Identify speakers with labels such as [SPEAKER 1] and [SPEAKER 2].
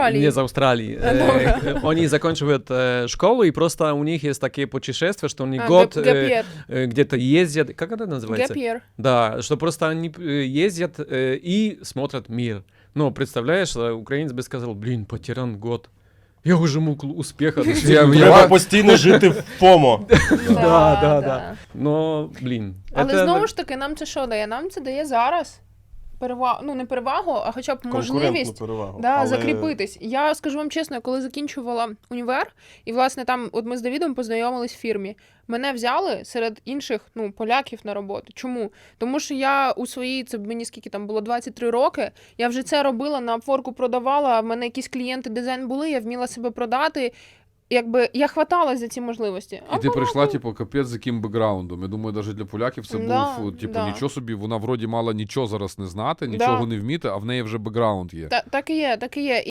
[SPEAKER 1] Не из Австралии.
[SPEAKER 2] Добре.
[SPEAKER 1] Они заканчивают школу, и просто у них есть такие путешествия, что они год
[SPEAKER 2] Гап'єр.
[SPEAKER 1] где-то ездят. Как это называется?
[SPEAKER 2] Гап'єр.
[SPEAKER 1] Да, что просто они ездят и смотрят мир. Ну, представляешь, украинец бы сказал, блин, потерян год. Я уже мог успеха.
[SPEAKER 3] Треба постійно жити в ФОМО.
[SPEAKER 1] Да. Но, блин.
[SPEAKER 2] Але
[SPEAKER 1] это-
[SPEAKER 2] знову ж таки, нам це що дає? Нам це дає зараз перевагу, ну не перевагу, а хоча б
[SPEAKER 3] Конкурентну
[SPEAKER 2] можливість
[SPEAKER 3] перевагу.
[SPEAKER 2] да,
[SPEAKER 3] Але
[SPEAKER 2] закріпитись. Я скажу вам чесно, я коли закінчувала універ, і власне там, от ми з Давідом познайомились в фірмі. Мене взяли серед інших, ну, поляків на роботу. Чому? Тому що я у своїй, це мені скільки там було 23 роки, я вже це робила, на Upwork продавала, в мене якісь клієнти дизайн були, я вміла себе продати. Якби я хваталась за ці можливості.
[SPEAKER 4] І ти прийшла, типу, капець з яким бекграундом. Я думаю, навіть для поляків це
[SPEAKER 2] Да,
[SPEAKER 4] був, типу,
[SPEAKER 2] да.
[SPEAKER 4] нічого собі, вона вроді мала нічого зараз не знати, нічого не вміти, а в неї вже бекграунд є.
[SPEAKER 2] Так і є, так і є.